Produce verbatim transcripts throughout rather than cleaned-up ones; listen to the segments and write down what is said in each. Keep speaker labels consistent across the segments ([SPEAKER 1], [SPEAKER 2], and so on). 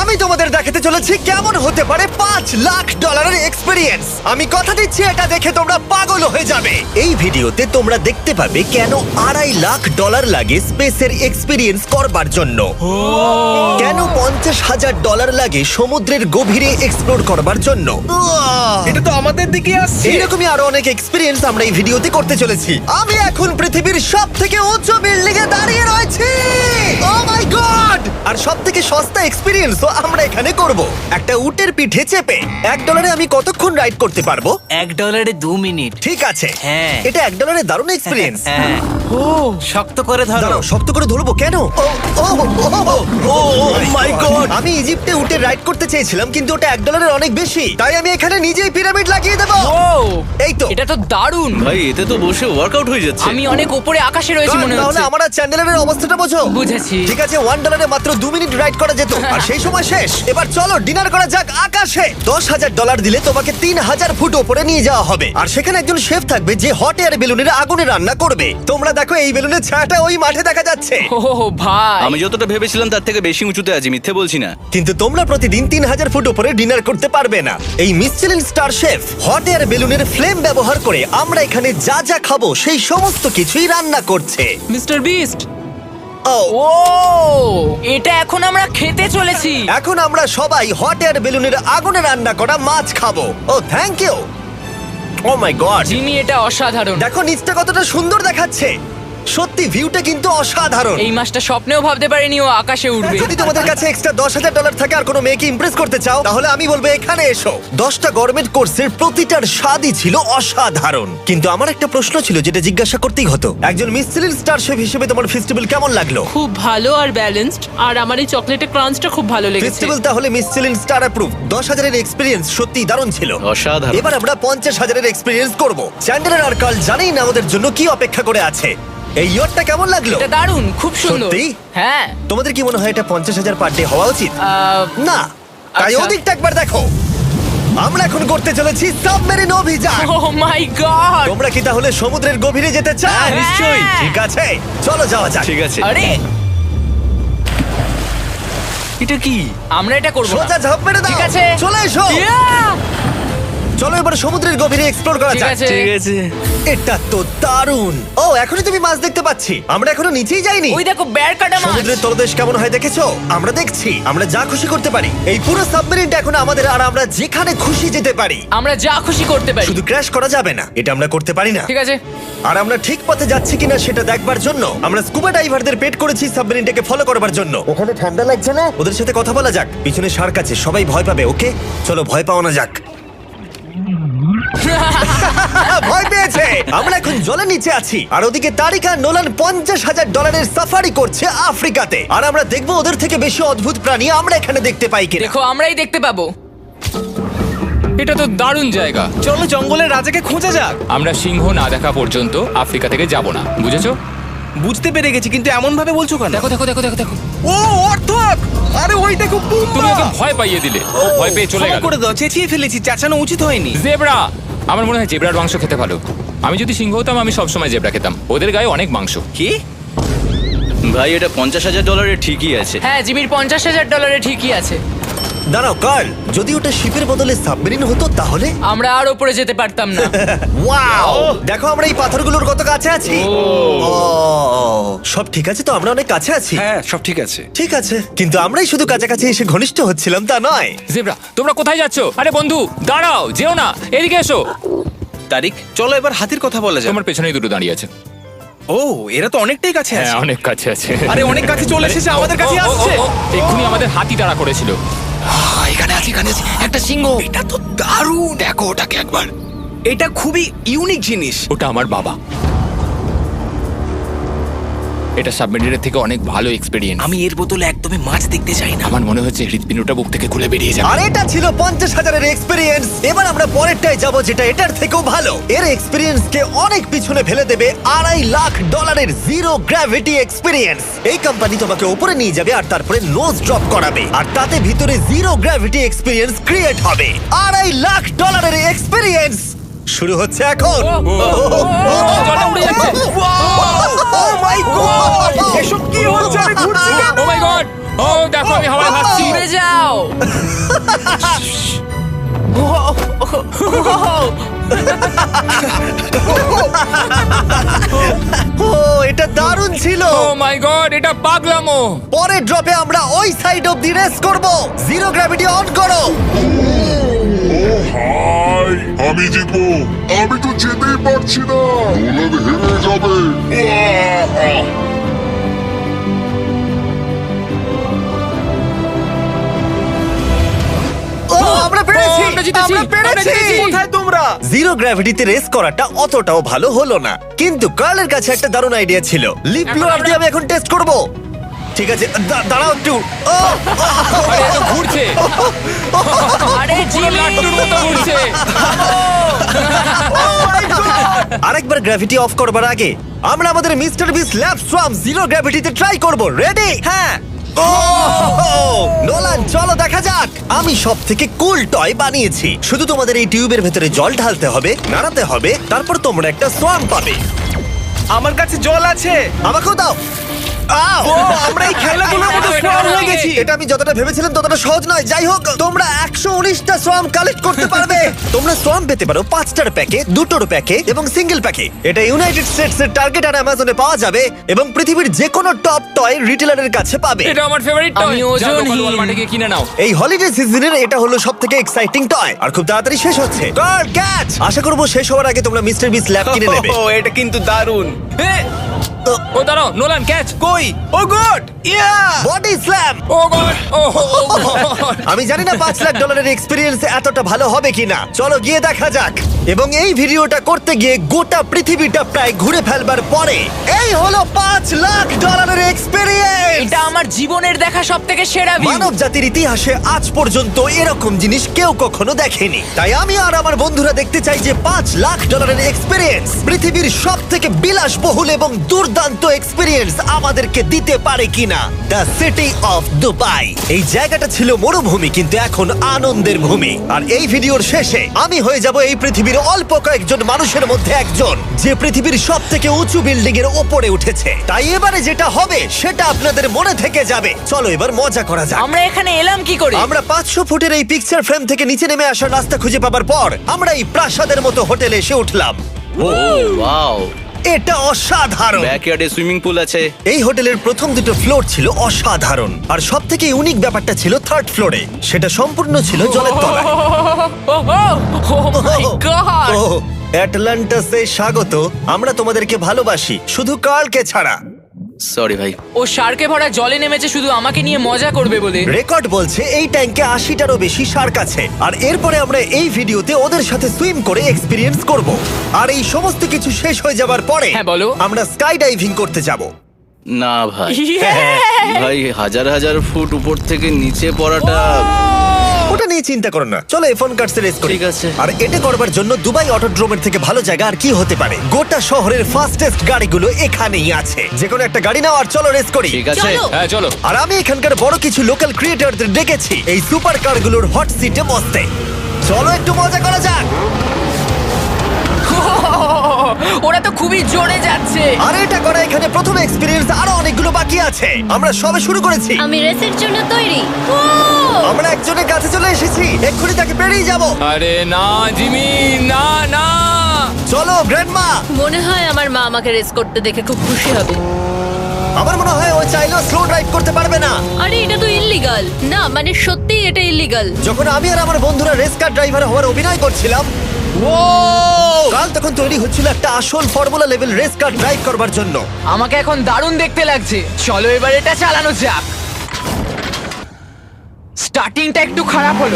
[SPEAKER 1] আমি তোমাদের দেখাতে চলেছি কেমন হতে পারে পাঁচ লাখ ডলারের এক্সপিরিয়েন্স। আমি কথা দিচ্ছি এটা দেখে তোমরা পাগল হয়ে যাবে। এই ভিডিওতে তোমরা দেখতে পাবে কেন আড়াই লাখ ডলার লাগে স্পেসের এক্সপিরিয়েন্স করবার জন্য, কেন পঞ্চাশ হাজার ডলার লাগে সমুদ্রের গভীরে এক্সপ্লোর করবার জন্য।
[SPEAKER 2] এটা তো আমাদের দিকে আসছে।
[SPEAKER 1] এইরকমই আরো অনেক এক্সপিরিয়েন্স আমরা এই ভিডিওতে করতে চলেছি। আমি এখন পৃথিবীর সব থেকে উঁচু বিল্ডিং এ দাঁড়িয়ে রয়েছি। ও মাই গড! আর সব থেকে সস্তা এক্সপিরিয়েন্সও আমরা এখানে করব, একটা উটের পিঠে চেপে। এক ডলারে আমি কতক্ষণ রাইড করতে পারবো?
[SPEAKER 3] এক ডলারে দু মিনিট।
[SPEAKER 1] ঠিক আছে,
[SPEAKER 3] হ্যাঁ।
[SPEAKER 1] এটা এক ডলারে দারুণ এক্সপিরিয়েন্স।
[SPEAKER 3] হ্যাঁ। ও শক্ত করে ধরো।
[SPEAKER 1] দাঁড়াও, শক্ত করে ধরবো কেন? Oh oh oh my god! আমি ইজিপ্টে উটে রাইড করতে চেয়েছিলাম, কিন্তু ওটা এক ডলারের অনেক বেশি, তাই আমি এখানে নিজেই পিরামিড লাগিয়ে দেবো।
[SPEAKER 4] ও
[SPEAKER 1] এই তো।
[SPEAKER 4] এটা তো দারুণ।
[SPEAKER 2] ভাই এতে তো বসে ওয়ার্কআউট হয়ে যাচ্ছে।
[SPEAKER 4] আমি অনেক উপরে আকাশে রয়েছি মনে
[SPEAKER 1] তাহলে
[SPEAKER 4] হচ্ছে।
[SPEAKER 1] আমার আর চ্যান্ডেলের অবস্থাটা বোঝো।
[SPEAKER 4] বুঝেছি।
[SPEAKER 1] ঠিক আছে, ওয়ান ডলারে মাত্র দু মিনিট রাইড করা যেত, আর সেই সময় শেষ। এবার চলো ডিনার করা যাক আকাশে। দশ হাজার ডলার দিলে তোমাকে তিন হাজার ফুট ওপরে নিয়ে যাওয়া হবে, আর সেখানে একজন শেফ থাকবে যে হট এয়ার বেলুনের আগুনে রান্না করবে। তোমরা দেখো এই বেলুনের ছায়াটা ওই মাঠে দেখা যাচ্ছে।
[SPEAKER 4] ও ভাই,
[SPEAKER 2] আমি যতটা ভেবেছিলাম তার থেকে বেশি উঁচুতে আছি, মিথ্যে বলছি না।
[SPEAKER 1] কিন্তু তোমরা প্রতিদিন তিন হাজার ফুট উপরে ডিনার করতে পারবে না। এই Michelin star chef hot air বেলুনের ফ্লেম ব্যবহার করে আমরা এখানে যা যা খাবো সেই সমস্ত কিছুই রান্না করছে।
[SPEAKER 4] Mister beast.
[SPEAKER 1] ও
[SPEAKER 4] ও এটা এখন আমরা খেতে চলেছি।
[SPEAKER 1] এখন আমরা সবাই হট এয়ার বেলুনের আগুনে রান্না করা মাছ খাবো। Oh thank you. Oh my god,
[SPEAKER 4] Jimmy এটা অসাধারণ।
[SPEAKER 1] দেখো নিচটা কতটা সুন্দর দেখাচ্ছে। সত্যি ভিউটা কিন্তু অসাধারণ।
[SPEAKER 4] এই মাসটা স্বপ্নেও ভাবতে পারিনি ও আকাশে উঠবে।
[SPEAKER 1] যদি তোমাদের কাছে এক্সট্রা দশ হাজার ডলার থাকে আর কোনো মেয়েকে ইমপ্রেস করতে চাও, তাহলে আমি বলবো এখানে এসো। দশটা গভর্নমেন্ট কোর্সের প্রতিটার স্বাদই ছিল অসাধারণ। কিন্তু আমার একটা প্রশ্ন ছিল যেটা জিজ্ঞাসা করতেই হতো, একজন মিশেলিন স্টার শেফ হিসেবে তোমার ফেস্টিভ্যাল কেমন লাগলো?
[SPEAKER 5] খুব ভালো আর ব্যালেন্সড, আর আমার এই চকলেটের ক্রাঞ্চটা খুব ভালো লেগেছে।
[SPEAKER 1] ফেস্টিভ্যাল তাহলে মিশেলিন স্টার অ্যাপ্রুভ। দশ হাজারের এক্সপিরিয়েন্স সত্যি দারুণ ছিল।
[SPEAKER 2] অসাধারণ।
[SPEAKER 1] এবার আমরা পঞ্চাশ হাজারের এক্সপিরিয়েন্স করব। চ্যান্ডেলার আর কার্ল জানেই না আমাদের জন্য কি অপেক্ষা করে আছে। এই ইয়ারটা কেমন লাগলো?
[SPEAKER 4] এটা দারুণ, খুব সুন্দর।
[SPEAKER 1] সত্যি?
[SPEAKER 4] হ্যাঁ।
[SPEAKER 1] তোমাদের কি মনে হয় এটা পঞ্চাশ হাজার পার ডে হওয়া উচিত?
[SPEAKER 4] আহ,
[SPEAKER 1] না, তাই
[SPEAKER 4] আচ্ছা।
[SPEAKER 1] ওদিকটা একবার দেখো। আমরা এখন করতে চলেছি সাবমেরিন অভিযান।
[SPEAKER 4] Oh my god.
[SPEAKER 1] তোমরা কি তাহলে সমুদ্রের গভীরে যেতে চাও?
[SPEAKER 4] হ্যাঁ, নিশ্চয়ই।
[SPEAKER 1] ঠিক আছে, চলো যাওয়া যাক।
[SPEAKER 2] ঠিক আছে।
[SPEAKER 4] আরে
[SPEAKER 2] এটা কি?
[SPEAKER 4] আমরা এটা করব না।
[SPEAKER 1] সোজা ঝাঁপ মেরে দাও।
[SPEAKER 4] ঠিক আছে।
[SPEAKER 1] চলে এসো।
[SPEAKER 4] Yeah!
[SPEAKER 1] চলো এবার সমুদ্রের গভীরে এক্সপ্লোর করা
[SPEAKER 4] ঠিক
[SPEAKER 1] যাক।
[SPEAKER 4] আছে।
[SPEAKER 2] ঠিক আছে।
[SPEAKER 1] এটা তো দারুণ। ও এখনই তুমি মাছ দেখতে পাচ্ছি, আমরা এখনো নিচেই যাইনি।
[SPEAKER 4] ওই দেখো বের কাটা মাছ।
[SPEAKER 1] সমুদ্রের তলদেশ কেমন হয় দেখেছো? আমরা দেখছি, আমরা যা খুশি করতে পারি। এই পুরো সাবমেরিনটা এখন আমাদের, আর আমরা যেখানে খুশি যেতে পারি।
[SPEAKER 4] আমরা যা খুশি করতে পারি।
[SPEAKER 1] শুধু ক্র্যাশ করা যাবে না, এটা আমরা করতে পারি না।
[SPEAKER 4] ঠিক আছে।
[SPEAKER 1] আর আমরা ঠিক পথে যাচ্ছি কিনা সেটা দেখবার জন্য আমরা স্কুবা ডাইভারদের পেড করেছি সাবমেরিনটাকে ফলো করবার জন্য। ওখানে ঠান্ডা লাগছে না? ওদের সাথে কথা বলা যাক। পিছনে শার্ক আছে, সবাই ভয় পাবে। ওকে চলো ভয় পাওয়া না যাক। ভয় পেয়েছে। আমরা এখন জলের নিচে আছি, আর ওদিকে তারিকা নোলান পঞ্চাশ হাজার ডলারের সাফারি করছে আফ্রিকাতে। আর আমরা দেখবো ওদের থেকে বেশি অদ্ভুত প্রাণী আমরা এখানে দেখতে পাই কিনা।
[SPEAKER 4] দেখো আমরাই দেখতে পাবো।
[SPEAKER 6] এটা তো দারুণ জায়গা।
[SPEAKER 2] চলো জঙ্গলের রাজাকে খোঁজা যাক।
[SPEAKER 6] আমরা সিংহ না দেখা পর্যন্ত আফ্রিকা থেকে যাব না, বুঝেছো?
[SPEAKER 2] বুঝতে পেরে গেছি, কিন্তু এমন ভাবে বলছো কেন?
[SPEAKER 6] দেখো দেখো দেখো দেখো দেখো
[SPEAKER 2] ও অর্থক! আরে ওইটা খুব
[SPEAKER 6] তুমি ওকে ভয় পাইয়ে দিলে, ও ভয় পেয়ে চলে গেল।
[SPEAKER 2] করে দাও, চেঁচিয়ে ফেলেছি, চাচানো উচিত হয়নি।
[SPEAKER 6] জেব্রা, আমার মনে হয় জেব্রার মাংস খেতে ভালো। আমি যদি সিংহ হতাম আমি সবসময় জেব্রা খেতাম, ওদের গায়ে অনেক মাংস।
[SPEAKER 2] কি? ভাই এটা পঞ্চাশ হাজার ডলারের ঠিকই আছে।
[SPEAKER 4] হ্যাঁ, জিমির পঞ্চাশ হাজার ডলারে ঠিকই আছে।
[SPEAKER 1] দাঁড়াও কার্ল, যদি ওটা শিপের বদলে সাবমেরিন হতো তাহলে?
[SPEAKER 4] আমরা আর উপরে যেতে পারতাম না।
[SPEAKER 1] ওয়াও, দেখো আমরা এই পাথরগুলোর কত কাছে আছি। ও, সব ঠিক আছে তো? আমরা অনেক কাছে আছি।
[SPEAKER 2] হ্যাঁ সব ঠিক আছে।
[SPEAKER 1] ঠিক আছে, কিন্তু আমরাই শুধু কাছাকাছি এসে ঘনিষ্ঠ হচ্ছিলাম তা নয়।
[SPEAKER 6] জেব্রা, তোমরা কোথায় যাচ্ছ? আরে বন্ধু দাঁড়াও, যেও না, এদিকে এসো।
[SPEAKER 2] তারিক চলো এবার হাতির কথা বলা যাক।
[SPEAKER 6] তোমার পেছনেই দুটো দাঁড়িয়ে আছে।
[SPEAKER 2] ও এরা তো অনেকটাই কাছে
[SPEAKER 6] হ্যাঁ
[SPEAKER 2] আছে।
[SPEAKER 6] অনেক কাছে আছে।
[SPEAKER 2] আরে অনেক কাছে চলে এসেছে, আমাদের কাছে
[SPEAKER 6] ও, ও, ও,
[SPEAKER 2] আসছে।
[SPEAKER 6] ও, এক্ষুনি আমাদের হাতি তাড়া করেছিল।
[SPEAKER 3] এখানে আছে, এখানে আছে একটা সিংহ।
[SPEAKER 2] এটা তো দারুণ।
[SPEAKER 3] দেখো ওটাকে একবার।
[SPEAKER 2] এটা খুবই ইউনিক জিনিস।
[SPEAKER 6] ওটা আমার বাবা। এটা সাবমেরিনের থেকে অনেক ভালো এক্সপেরিয়েন্স।
[SPEAKER 3] আমি এর বোতলে একদমই মাছ দেখতে চাই না।
[SPEAKER 6] আমার মনে হচ্ছে হৃদপিণ্ডটা বুক থেকে খুলে বেরিয়ে যাবে।
[SPEAKER 1] আর এটা ছিল পঞ্চাশ হাজারের এক্সপিরিয়েন্স। এবার আমরা পরেরটায় যাব যেটা এটার থেকেও ভালো। এর এক্সপিরিয়েন্স কে অনেক পিছনে ফেলে দেবে আড়াই লাখ ডলারের জিরো গ্র্যাভিটি এক্সপিরিয়েন্স। এই কোম্পানি তোমাকে উপরে নিয়ে যাবে আর তারপরে নোজ ড্রপ করাবে, আর তাতে ভিতরে জিরো গ্র্যাভিটি এক্সপিরিয়েন্স ক্রিয়েট হবে। আড়াই লাখ ডলারের এক্সপিরিয়েন্স শুরু হচ্ছে এখন।
[SPEAKER 6] জলটা উড়ে যাচ্ছে।
[SPEAKER 1] ও মাই গড,
[SPEAKER 2] এসব কি হচ্ছে? আমি ঘুরছি কেন?
[SPEAKER 6] ও মাই গড! ও দেখো আমি হাওয়ায় ভাসছি।
[SPEAKER 4] উড়ে যাও।
[SPEAKER 1] ও এটা দারুণ ছিল।
[SPEAKER 6] ও মাই গড, এটা পাগলামো।
[SPEAKER 1] পরের ড্রপে আমরা ওই সাইড অফ দি রেস করব। জিরো গ্র্যাভিটি অন করো।
[SPEAKER 7] হাই আমি জিতবো। আমি তো যেতেই পারছি না, নোলান হেরে যাবে। আহ!
[SPEAKER 1] ও আমরা পেরেছি,
[SPEAKER 6] ও, আমরা জিতেছি,
[SPEAKER 1] আমরা
[SPEAKER 6] আমরা
[SPEAKER 1] পেরেছি।
[SPEAKER 6] জিতেছি।
[SPEAKER 1] কোথায় তোমরা? জিরো গ্র্যাভিটিতে রেস করাটা অতটাও ভালো হলো না, কিন্তু কার্লের কাছে একটা দারুণ আইডিয়া ছিল। লিপ ব্লোয়ার দিয়ে আমি এখন টেস্ট করব। ঠিক আছে, দা- দাঁড়াও একটু। ও,
[SPEAKER 6] আরে এত ঘুরছে,
[SPEAKER 4] আরে
[SPEAKER 6] পুরো
[SPEAKER 4] জিমি
[SPEAKER 6] লাট্টুর মতো ঘুরছে।
[SPEAKER 1] আরেকবার গ্র্যাভিটি অফ করবার আগে আমরা আমাদের mister Beast lab swarm zero গ্র্যাভিটিতে ট্রাই করব। রেডি? হ্যাঁ। ও নোলান, চলো দেখা যাক। আমি সব থেকে কুল টয় বানিয়েছি। শুধু তোমাদের এই টিউবের ভেতরে জল ঢালতে হবে, নাড়াতে হবে, তারপর তোমরা একটা সোয়াম পাবে।
[SPEAKER 3] আমার কাছে জল আছে।
[SPEAKER 1] আমাকেও দাও। আও!
[SPEAKER 3] আমরা এই খেলাগুলোর মতো স্ট্রং হয়ে গেছি।
[SPEAKER 1] এটা আমি যতটা ভেবেছিলাম ততটা সহজ নয়। যাই হোক, তোমরা একশো উনিশটা সোয়াম কালেক্ট করতে পারবে। তোমরা সোয়াম পেতে পারো পাঁচটার প্যাকে, দুটোর প্যাকে এবং সিঙ্গেল প্যাকে। এটা ইউনাইটেড স্টেটস এর টার্গেট আর অ্যামাজনে পাওয়া যাবে এবং পৃথিবীর যে কোনো টপ টয় রিটেলারের কাছে পাবে।
[SPEAKER 6] এটা আমার ফেভারিট টয়।
[SPEAKER 4] আমি ওজনহীন।
[SPEAKER 6] ওয়ালমার্টে গিয়ে কিনে নাও।
[SPEAKER 1] এই হলিডে সিজনের এটা হলো সব থেকে এক্সাইটিং টয় আর খুব তাড়াতাড়ি শেষ হচ্ছে। Girl catch! আশা করবো শেষ হওয়ার আগে তোমরা মিস্টার বিস ল্যাব কিনে নেবে।
[SPEAKER 3] ও এটা কিন্তু দারুণ।
[SPEAKER 6] ও দাঁড়াও, নোলান ক্যাচ।
[SPEAKER 3] কই? Oh god! Yeah!
[SPEAKER 1] Body slam!
[SPEAKER 6] Oh god, oh god.
[SPEAKER 1] আমি জানি না পাঁচ লাখ ডলারের এক্সপিরিয়েন্স এতটা ভালো হবে কিনা। চলো গিয়ে দেখা যাক। এবং এই ভিডিওটা করতে গিয়ে গোটা পৃথিবীটা প্রায় ঘুরে ফেলবার পরে এই হলো পাঁচ লাখ ডলারের এক্সপিরিয়েন্স।
[SPEAKER 4] এটা আমার জীবনের দেখা সব থেকে সেরা ভিউ।
[SPEAKER 1] মানব জাতির ইতিহাসে আজ পর্যন্ত এরকম জিনিস কেউ কখনো দেখেনি। তাই আমি আর আমার বন্ধুরা দেখতে চাই যে পাঁচ লাখ ডলারের এক্সপিরিয়েন্স, পৃথিবীর সব থেকে বিলাসবহুল এবং দুর্দান্ত এক্সপিরিয়েন্স আমাদেরকে দিতে পারে কিনা। The city of Dubai. এই জায়গাটা ছিল মরুভূমি, কিন্তু এখন আনন্দের ভূমি। আর এই ভিডিওর শেষে আমি হয়ে যাব এই পৃথিবীর অল্প কয়েকজন মানুষের মধ্যে একজন, যে পৃথিবীর সব থেকে উঁচু বিল্ডিং এর ওপরে উঠেছে। তাই এবারে যেটা হবে সেটা আপনাদের মনে থেকে যাবে। চলো এবার মজা করা যাক।
[SPEAKER 4] আমরা এখানে এলাম কি করে?
[SPEAKER 1] আমরা পাঁচশো ফুটের এই পিকচার ফ্রেম থেকে নিচে নেমে আসার রাস্তা খুঁজে পাবার পর আমরা এই প্রাসাদের মতো হোটেলে এসে উঠলাম।
[SPEAKER 2] ও ওয়াও,
[SPEAKER 1] এটা অসাধারণ।
[SPEAKER 2] ব্যাকইয়ার্ডে সুইমিং পুল আছে।
[SPEAKER 1] এই হোটেলের প্রথম দুটো ফ্লোর ছিল অসাধারণ, আর সব থেকে ইউনিক ব্যাপারটা ছিল থার্ড ফ্লোরে। সেটা সম্পূর্ণ ছিল জলের তলায়।
[SPEAKER 4] ও মাই গড!
[SPEAKER 1] ও অ্যাটলান্টাসে স্বাগত। আমরা তোমাদেরকে ভালোবাসি, শুধু কার্লকে ছাড়া।
[SPEAKER 2] সরি ভাই।
[SPEAKER 4] ও শার্কে ভরা জলে নেমেছে শুধু আমাকে নিয়ে মজা করবে বলে।
[SPEAKER 1] রেকর্ড বলছে এই ট্যাঙ্কে আশিটারও বেশি শার্ক আছে। আর এরপরে আমরা এই ভিডিওতে ওদের সাথে সুইম করে এক্সপিরিয়েন্স করব। আর এই সমস্ত কিছু শেষ হয়ে যাবার পরে
[SPEAKER 4] হ্যাঁ, বলো।
[SPEAKER 1] আমরা স্কাই ডাইভিং করতে যাব।
[SPEAKER 2] না ভাই,
[SPEAKER 1] হ্যাঁ।
[SPEAKER 2] ভাই হাজার হাজার ফুট উপর থেকে নিচে পড়াটা।
[SPEAKER 1] ওটা নিয়ে চিন্তা করো না, চলো এফোন কার্ডস রেস করি।
[SPEAKER 2] ঠিক আছে।
[SPEAKER 1] আর এটা করবার জন্য দুবাই অটোড্রোমের থেকে ভালো জায়গা আর কি হতে পারে। গোটা শহরের ফাস্টেস্ট গাড়িগুলো এখানেই আছে। যে কোনো একটা গাড়ি নাও আর চলো রেস করি।
[SPEAKER 2] ঠিক আছে।
[SPEAKER 6] হ্যাঁ চলো।
[SPEAKER 1] আর আমি এখানকার বড় কিছু লোকাল ক্রিয়েটরদের ডেকেছি এই সুপার কারগুলোর হট সিটে বসতে। চলো একটু মজা করা যাক।
[SPEAKER 4] ওরা তো খুবই জোরে যাচ্ছে।
[SPEAKER 1] আর এটা করা এখানে প্রথম এক্সপিরিয়েন্স, আরো অনেকগুলো বাকি আছে। আমরা সবে শুরু করেছি।
[SPEAKER 8] আমি রেসের জন্য তৈরি। ও
[SPEAKER 1] আমরা একজনের কাছে চলে এসেছি, এক্ষুনি তাকে পেরিয়ে যাব।
[SPEAKER 6] আরে না জিমি, না না।
[SPEAKER 1] চলো গ্র্যান্ডমা।
[SPEAKER 8] মনে হয় আমার মা আমাকে রেস করতে দেখে খুব খুশি হবে।
[SPEAKER 1] আমার মনে হয় ও চাইলেও স্লো ড্রাইভ করতে পারবে না।
[SPEAKER 8] আরে এটা তো ইল্লিগাল। না মানে সত্যি এটা ইল্লিগাল।
[SPEAKER 1] যখন আমি আর আমার বন্ধুরা রেস কার ড্রাইভার হওয়ার অভিনয় করছিলাম, ও কাল তখন তৈরি হচ্ছিল একটা আসল formula level race car drive করবার জন্য।
[SPEAKER 4] আমাকে এখন দারুণ দেখতে লাগছে। চলো এবার এটা চালানো যাক। স্টার্টিংটা একটু খারাপ হলো।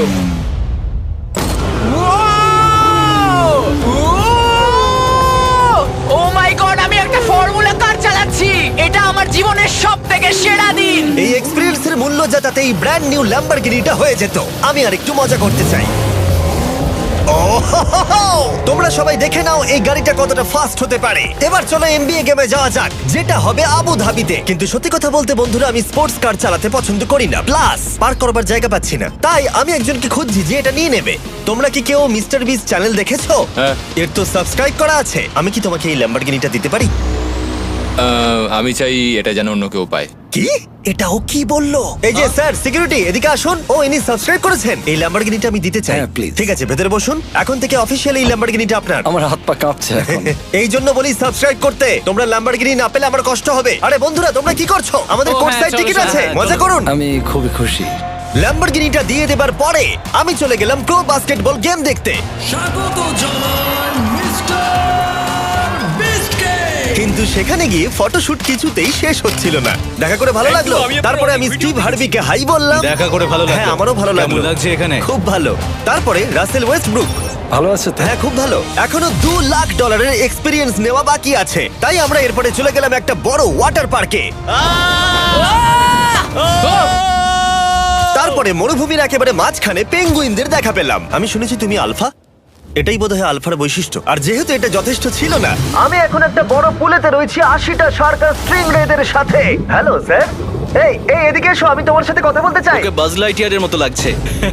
[SPEAKER 4] ও মাই গড, আমি একটা ফর্মুলা কার চালাচ্ছি। এটা আমার জীবনের সব থেকে সেরা দিন।
[SPEAKER 1] এই এক্সপেরিয়েন্সের মূল্য যা তাতে এই ব্র্যান্ড নিউ ল্যাম্বরগিনিটা হয়ে যেত। আমি আর একটু মজা করতে চাই। ও হো হো হো! তোমরা সবাই দেখে নাও এই গাড়িটা কতটা ফাস্ট হতে পারে। এবার চলো এনবিএ গেমে যাওয়া যাক, যেটা হবে আবু ধাবিতে। কিন্তু সত্যি কথা বলতে বন্ধুরা, আমি স্পোর্টস কার চালাতে পছন্দ করি না, প্লাস পার্ক করবার জায়গা পাচ্ছি না। তাই আমি একজনকে খুঁজছি যে এটা নিয়ে নেবে। তোমরা কি কেউ মিস্টার বিস চ্যানেল দেখেছো?
[SPEAKER 6] হ্যাঁ।
[SPEAKER 1] এর তো সাবস্ক্রাইব করা আছে। আমি কি তোমাকে এই ল্যাম্বরগিনিটা দিতে পারি?
[SPEAKER 6] আহ, আমি চাই এটা যেন অন্য কেউ পায়।
[SPEAKER 1] কি এটা ও কি বললো? এই যে স্যার সিকিউরিটি এদিকে আসুন। ও ইনি সাবস্ক্রাইব করেছেন। এই ল্যাম্বরগিনিটা আমি দিতে চাই।
[SPEAKER 9] হ্যাঁ, please.
[SPEAKER 1] ঠিক আছে, ভেতরে বসুন। এখন থেকে অফিসিয়ালি এই ল্যাম্বরগিনিটা আপনার।
[SPEAKER 9] আমার হাত পা কাঁপছে এখন।
[SPEAKER 1] এই জন্য বলি সাবস্ক্রাইব করতে। তোমরা ল্যাম্বরগিনি না পেলে আমার কষ্ট হবে। আরে বন্ধুরা তোমরা কি করছো? আমাদের
[SPEAKER 5] ও,
[SPEAKER 1] কোর্ট
[SPEAKER 5] হ্যাঁ,
[SPEAKER 1] সাইড
[SPEAKER 5] চলো,
[SPEAKER 1] টিকিট
[SPEAKER 5] চলো,
[SPEAKER 1] আছে,
[SPEAKER 2] হ্যাঁ,
[SPEAKER 1] মজা
[SPEAKER 2] চলো।
[SPEAKER 1] করুন।
[SPEAKER 9] আমি খুবই খুশি।
[SPEAKER 1] ল্যাম্বরগিনিটা দিয়ে দেবার পরে আমি চলে গেলাম প্রো বাস্কেটবল গেম দেখতে। কিন্তু সেখানে গিয়ে ফটোশুট কিছুতেই শেষ হচ্ছিল না। দেখা করে ভালো লাগলো। তারপরে আমি স্টিভ হার্ভিকে হাই বললাম।
[SPEAKER 2] দেখা করে ভালো লাগলো।
[SPEAKER 1] হ্যাঁ, আমারও ভালো লাগলো।
[SPEAKER 2] কেমন লাগছে এখানে?
[SPEAKER 1] খুব ভালো। তারপরে রাসেল ওয়েস্টব্রুক।
[SPEAKER 9] ভালো আছে তো?
[SPEAKER 1] হ্যাঁ, খুব ভালো। এখনো দু লাখ ডলারের এক্সপিরিয়েন্স নেওয়া বাকি আছে। তাই আমরা এরপরে চলে গেলাম একটা বড় ওয়াটার পার্কে। তারপরে মরুভূমির একেবারে মাঝখানে পেঙ্গুইনদের দেখা পেলাম। আমি শুনেছি তুমি আলফা। এটাই বোধহয় আলফার বৈশিষ্ট্য। আর যেহেতু এটা যথেষ্ট ছিল না, আমি এখন একটা বড় পুলেতে রয়েছি আশিটা সার্কাস স্ট্রিং রেদের সাথে। Hello sir. এই এই এদিকে এসো, আমি তোমার সাথে কথা বলতে চাই।
[SPEAKER 2] ওকে বাজ লাইটিয়ারের মতো লাগছে।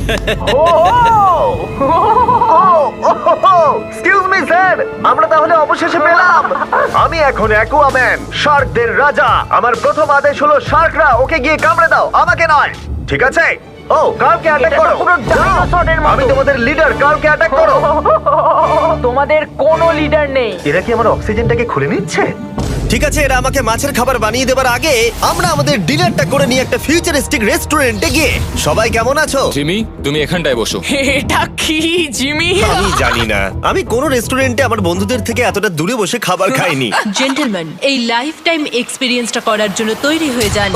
[SPEAKER 1] এক্সকিউজ মি স্যার, আমরা তাহলে অবশেষে পেলাম। আমি এখন অ্যাকুয়াম্যান, শার্কদের রাজা। আমার প্রথম আদেশ হলো শার্করা ওকে গিয়ে কামড়ে দাও, আমাকে নয়। ঠিক আছে? ও, কার্লকে অ্যাটাক করো। আমি তোমাদের লিডার, কার্লকে অ্যাটাক করো।
[SPEAKER 4] তোমাদের কোনো লিডার নেই।
[SPEAKER 1] এরা কি আমার অক্সিজেনটাকে খুলে নিচ্ছে? ঠিক আছে, এরা আমাকে মাছের খাবার বানিয়ে দেবার আগে আমরা আমাদের ডিনারটা করে নিয়ে একটা ফিউচারিস্টিক রেস্টুরেন্টে গিয়ে। সবাই কেমন আছো?
[SPEAKER 6] জিমি, তুমি এখানটায় বসো।
[SPEAKER 4] এটা কি জিমি?
[SPEAKER 1] আমি জানি না, আমি কোন রেস্টুরেন্টে আমার বন্ধুদের থেকে এতটা দূরে বসে খাবার খাইনি।
[SPEAKER 8] জেন্টলম্যান, এই লাইফ টাইম এক্সপিরিয়েন্সটা করার জন্য তৈরি হয়ে যান।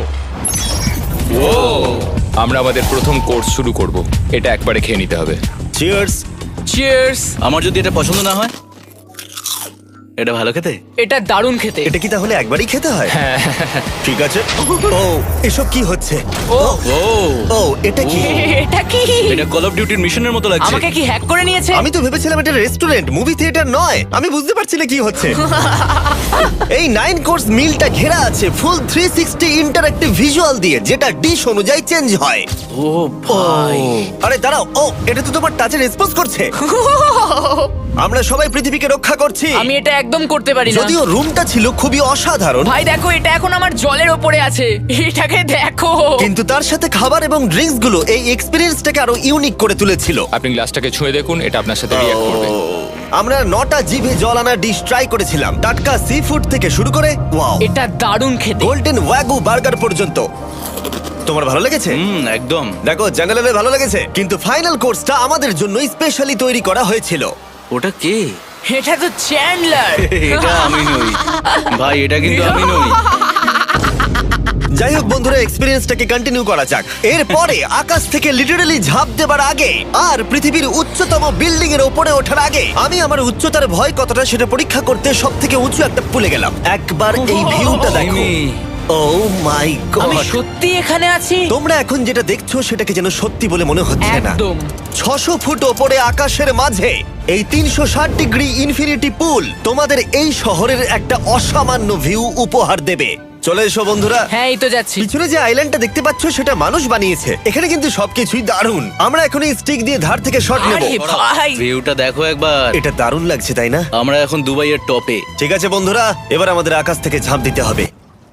[SPEAKER 6] আমরা আমাদের প্রথম কোর্স শুরু করব। এটা একবারে খেয়ে নিতে হবে।
[SPEAKER 1] চিয়ার্স।
[SPEAKER 4] চিয়ার্স।
[SPEAKER 2] আমার যদি এটা পছন্দ না হয়? এটা ভালো খেতে?
[SPEAKER 4] এটা দারুণ খেতে।
[SPEAKER 1] এটা কি তাহলে একবারই খেতে হয়? ঠিক আছে। ও, এসব কি হচ্ছে?
[SPEAKER 4] ও
[SPEAKER 2] ও
[SPEAKER 1] ও, এটা কি?
[SPEAKER 4] এটা কি?
[SPEAKER 2] এটা কল অফ ডিউটির মিশনের মতো লাগছে।
[SPEAKER 4] আমাকে কি হ্যাক করে নিয়েছে?
[SPEAKER 1] আমি তো ভেবেছিলাম এটা রেস্টুরেন্ট, মুভি থিয়েটার নয়। আমি বুঝতে পারছি না কি হচ্ছে। এই নাইন কোর্স মিলটা ঘেরা আছে full three sixty interactive visual দিয়ে, যেটা ডিশ অনুযায়ী চেঞ্জ হয়।
[SPEAKER 2] ও ভাই,
[SPEAKER 1] আরে দাঁড়াও, ও এটা তো তোমার টাচে রেসপন্স করছে। আমরা সবাই পৃথিবীকে রক্ষা করছি।
[SPEAKER 4] আমি এটা একদম করতে পারি না।
[SPEAKER 1] যদিও রুমটা ছিল খুবই অসাধারণ,
[SPEAKER 4] ভাই দেখো, এটা এখন আমার জলের ওপরে আছে। এটাকে দেখো।
[SPEAKER 1] কিন্তু তার সাথে খাবার এবং ড্রিঙ্কস গুলো এই এক্সপেরিয়েন্সটাকে আরো ইউনিক করে তুলেছিল।
[SPEAKER 6] আপনি গ্লাসটাকে ছুঁয়ে দেখুন, এটা আপনার সাথে রিঅ্যাক্ট করবে।
[SPEAKER 1] আমরা নটা জিভে জল আনা ডিশ ট্রাই করেছিলাম, টাটকা সি ফুড থেকে শুরু করে ওয়াও,
[SPEAKER 4] এটা দারুণ খেতে।
[SPEAKER 1] গোল্ডেন ওয়াগু বার্গার পর্যন্ত। তোমার ভালো লেগেছে?
[SPEAKER 2] হুম, একদম।
[SPEAKER 1] দেখো, জেনারেলের ভালো লেগেছে, কিন্তু ফাইনাল কোর্সটা আমাদের জন্য স্পেশালি তৈরি করা হয়েছিল।
[SPEAKER 2] ওটা কে?
[SPEAKER 4] এটা তো চ্যান্ডলার।
[SPEAKER 2] এটা আমি নই ভাই, এটা কিন্তু আমি নই।
[SPEAKER 1] যাই হোক বন্ধুরা, এক্সপেরিয়েন্সটাকে কন্টিনিউ করা যাক। এরপরে আকাশ থেকে লিটারালি ঝাঁপ দেবার আগে আর পৃথিবীর উচ্চতম বিল্ডিং এর উপরে ওঠার আগে আমি আমার উচ্চতার ভয় কতটা সেটা পরীক্ষা করতে সব থেকে উঁচু একটা পুলে গেলাম। একবার এই ভিউটা দেখো।
[SPEAKER 2] জিমি।
[SPEAKER 1] ও মাই
[SPEAKER 4] আমি
[SPEAKER 1] গড!
[SPEAKER 4] সত্যি এখানে আছি।
[SPEAKER 1] তোমরা এখন যেটা দেখছো সেটাকে যেন সত্যি বলে মনে হচ্ছে না।
[SPEAKER 4] একদম।
[SPEAKER 1] ছশো ফুট ওপরে আকাশের মাঝে এই তিনশো ষাট ডিগ্রি ইনফিনিটি পুল তোমাদের এই শহরের একটা অসামান্য ভিউ উপহার দেবে। চলে এসো বন্ধুরা।
[SPEAKER 4] হ্যাঁ, এই তো যাচ্ছি।
[SPEAKER 1] পিছনে যে আইল্যান্ডটা দেখতে পাচ্ছ সেটা মানুষ বানিয়েছে। এখানে কিন্তু সবকিছুই দারুণ। আমরা এখন এই স্টিক দিয়ে ধার থেকে শট নেব।
[SPEAKER 4] আরে ভাই,
[SPEAKER 2] ভিউটা দেখো একবার।
[SPEAKER 1] এটা দারুণ লাগছে, তাই না?
[SPEAKER 2] আমরা এখন দুবাইয়ের টপে।
[SPEAKER 1] ঠিক আছে বন্ধুরা, এবার আমাদের আকাশ থেকে ঝাঁপ দিতে হবে।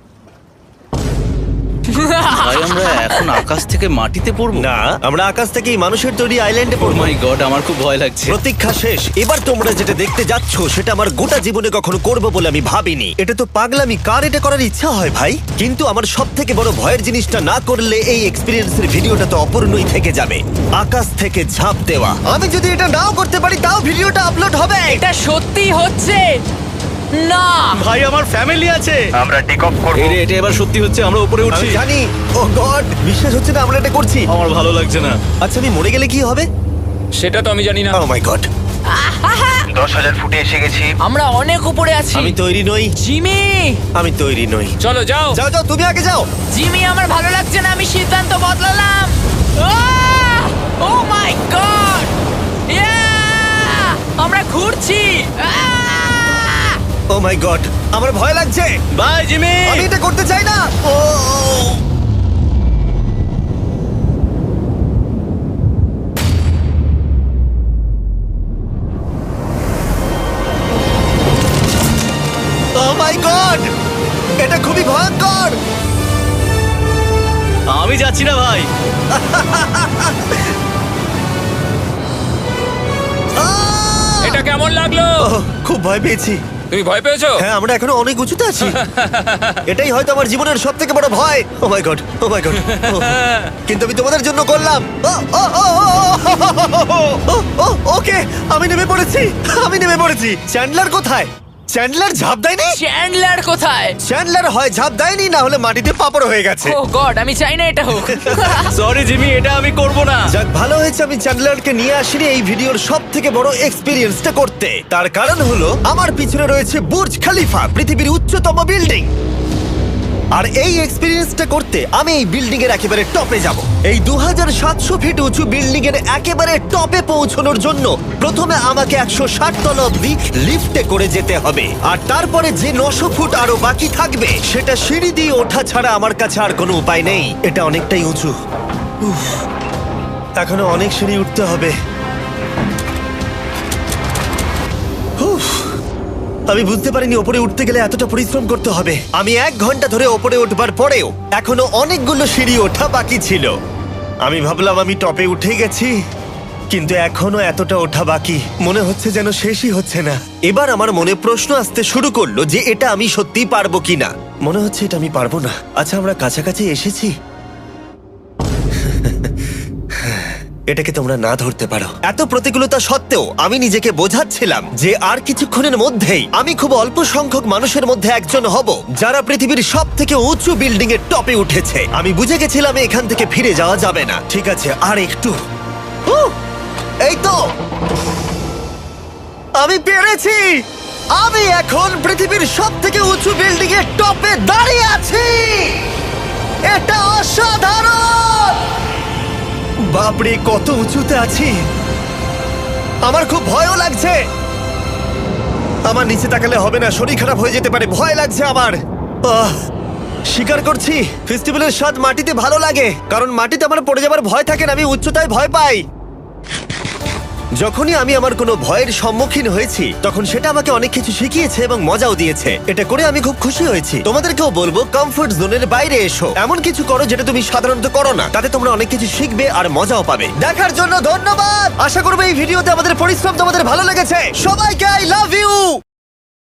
[SPEAKER 2] ভাই, আমরা এখন আকাশ থেকে মাটিতে পড়বো?
[SPEAKER 1] না, আমরা আকাশ থেকে এই মানুষের তৈরি আইল্যান্ডে
[SPEAKER 2] ও
[SPEAKER 1] পড়বো।
[SPEAKER 2] মাই গড, আমার খুব ভয় লাগছে।
[SPEAKER 1] প্রতীক্ষা শেষ। এবার তোমরা যেটা দেখতে যাচ্ছ সেটা আমার গোটা জীবনে কখনো করবো বলে আমি ভাবিনি। এটা তো পাগলামি, কার এটা করার ইচ্ছা হয় ভাই? কিন্তু আমার সব থেকে বড় ভয়ের জিনিসটা না করলে এই এক্সপিরিয়েন্সের ভিডিওটা তো অপূর্ণই থেকে যাবে। আকাশ থেকে ঝাঁপ দেওয়া। আমি যদি এটা নাও করতে পারি তাও ভিডিওটা আপলোড হবে।
[SPEAKER 4] এটা সত্যি হচ্ছে না।
[SPEAKER 2] ভাই, আমার ফ্যামিলি আছে।
[SPEAKER 1] আমরা টেক অফ করব।
[SPEAKER 2] এই রে, এটা এবার সত্যি হচ্ছে, আমরা উপরে উঠছি।
[SPEAKER 1] আমি জানি। ও গড, বিশ্বাস হচ্ছে না আমরা এটা করছি।
[SPEAKER 2] আমার ভালো লাগছে না।
[SPEAKER 1] আচ্ছা, আমি মরে গেলে কি হবে?
[SPEAKER 6] সেটা তো আমি জানি না।
[SPEAKER 1] ও মাই গড, দশ হাজার ফুটে এসে গেছি।
[SPEAKER 4] আমরা অনেক উপরে আছি।
[SPEAKER 1] আমি তৈরি নই।
[SPEAKER 4] জিমি,
[SPEAKER 1] আমি তৈরি নই।
[SPEAKER 6] চলো যাও।
[SPEAKER 1] যাও যাও, তুমি আগে যাও।
[SPEAKER 4] জিমি, আমার ভালো লাগছে না। আমি সিদ্ধান্ত বদলালাম। ও মাই গড, আমরা ঘুরছি।
[SPEAKER 1] ও মাই গড, আমার ভয় লাগছে।
[SPEAKER 2] Bye Jimmy.
[SPEAKER 1] আমি এটা করতে চাই না। ও ও মাই গড, এটা খুবই ভয়ঙ্কর।
[SPEAKER 6] কেমন লাগলো?
[SPEAKER 1] ওহ, খুব ভয় পেয়েছি।
[SPEAKER 6] তুমি ভয় পেয়েছো?
[SPEAKER 1] হ্যাঁ, আমরা এখনো অনেক উঁচুতে আছি। এটাই হয়তো আমার জীবনের সব থেকে বড় ভয়। Oh my god, oh my god. কিন্তু আমি তোমাদের জন্য করলাম। ও, oh, oh, oh, oh, oh, ও, ওকে, আমি নেমে পড়েছি, আমি নেমে পড়েছি। চ্যান্ডলার কোথায়? চ্যান্ডলার ঝাঁপ দেয়নি?
[SPEAKER 4] চ্যান্ডলার কোথায়?
[SPEAKER 1] চ্যান্ডলার হয় ঝাঁপ দেয়নি, না হলে মাটিতে পাপড় হয়ে গেছে।
[SPEAKER 4] ও গড, আমি চাই না এটা হোক।
[SPEAKER 2] সরি জিমি, এটা আমি করব না।
[SPEAKER 1] যাক, ভালো হয়েছে আমি চ্যান্ডলারকে নিয়ে আসিনি এই ভিডিওর সব থেকে বড় এক্সপিরিয়েন্সটা করতে। তার কারণ হলো আমার পিছনে রয়েছে বুর্জ খলিফা, পৃথিবীর উচ্চতম বিল্ডিং। আর এই এক্সপিরিয়েন্সটা করতে আমি এই বিল্ডিং এর একেবারে টপে যাব। এই দু হাজার সাতশো ফিট উঁচু বিল্ডিং এর একেবারে টপে পৌঁছানোর জন্য প্রথমে আমাকে একশো ষাট তলা অব্দি লিফটে করে যেতে হবে, আর তারপরে যে নশো ফুট আরো বাকি থাকবে সেটা সিঁড়ি দিয়ে ওঠা ছাড়া আমার কাছে আর কোনো উপায় নেই। এটা অনেকটাই উঁচু। উফ, এখনো অনেক সিঁড়ি উঠতে হবে। উফ, আমি বুঝতে পারিনি ওপরে উঠতে গেলে এতটা পরিশ্রম করতে হবে। আমি এক ঘন্টা ধরে ওপরে উঠবার পরেও এখনো অনেকগুলো সিঁড়ি ওঠা বাকি ছিল। আমি ভাবলাম আমি টপে উঠে গেছি, কিন্তু এখনো এতটা ওঠা বাকি। মনে হচ্ছে যেন শেষই হচ্ছে না। এবার আমার মনে প্রশ্ন আসতে শুরু করলো যে এটা আমি সত্যি পারবো কিনা। মনে হচ্ছে এটা আমি পারবো না। আচ্ছা, আমরা কাছাকাছি এসেছি। এটাকে তোমরা না ধরতে পারো। এত প্রতিকূলতা সত্ত্বেও আমি নিজেকে বোঝাচ্ছিলাম যে আর কিছুক্ষণের মধ্যেই আমি খুব অল্প সংখ্যক মানুষের মধ্যে একজন হব যারা পৃথিবীর সব থেকে উঁচু বিল্ডিং এর টপে উঠেছে। আমি বুঝে গেছিলাম এখান থেকে ফিরে যাওয়া যাবে না। ঠিক আছে, আর একটু। উহ, এই তো, আমি পেরেছি। আমি এখন পৃথিবীর সব থেকে উঁচু বিল্ডিং এর টপে দাঁড়িয়ে আছি। এটা অসাধারণ। বাপরে, কত উঁচুতে আছি। আমার খুব ভয়ও লাগছে। আমার নিচে তাকালে হবে না, শরীর খারাপ হয়ে যেতে পারে। ভয় লাগছে আমার। আহ, স্বীকার করছি, ফেস্টিভ্যালের স্বাদ মাটিতে ভালো লাগে, কারণ মাটিতে আমার পড়ে যাবার ভয় থাকে না। আমি উচ্চতায় ভয় পাই। যখনই আমি আমার কোনো ভয়ের সম্মুখীন হয়েছি তখন সেটা আমাকে অনেক কিছু শিখিয়েছে এবং মজাও দিয়েছে। এটা করে আমি খুব খুশি হয়েছি। তোমাদেরকেও বলবো কমফোর্ট জোনের বাইরে এসো, এমন কিছু করো যেটা তুমি সাধারণত করো না। তাতে তোমরা অনেক কিছু শিখবে আর মজাও পাবে। দেখার জন্য ধন্যবাদ। আশা করবো এই ভিডিওতে আমাদের পরিশ্রম তোমাদের ভালো লেগেছে। সবাইকে আই লাভ ইউ।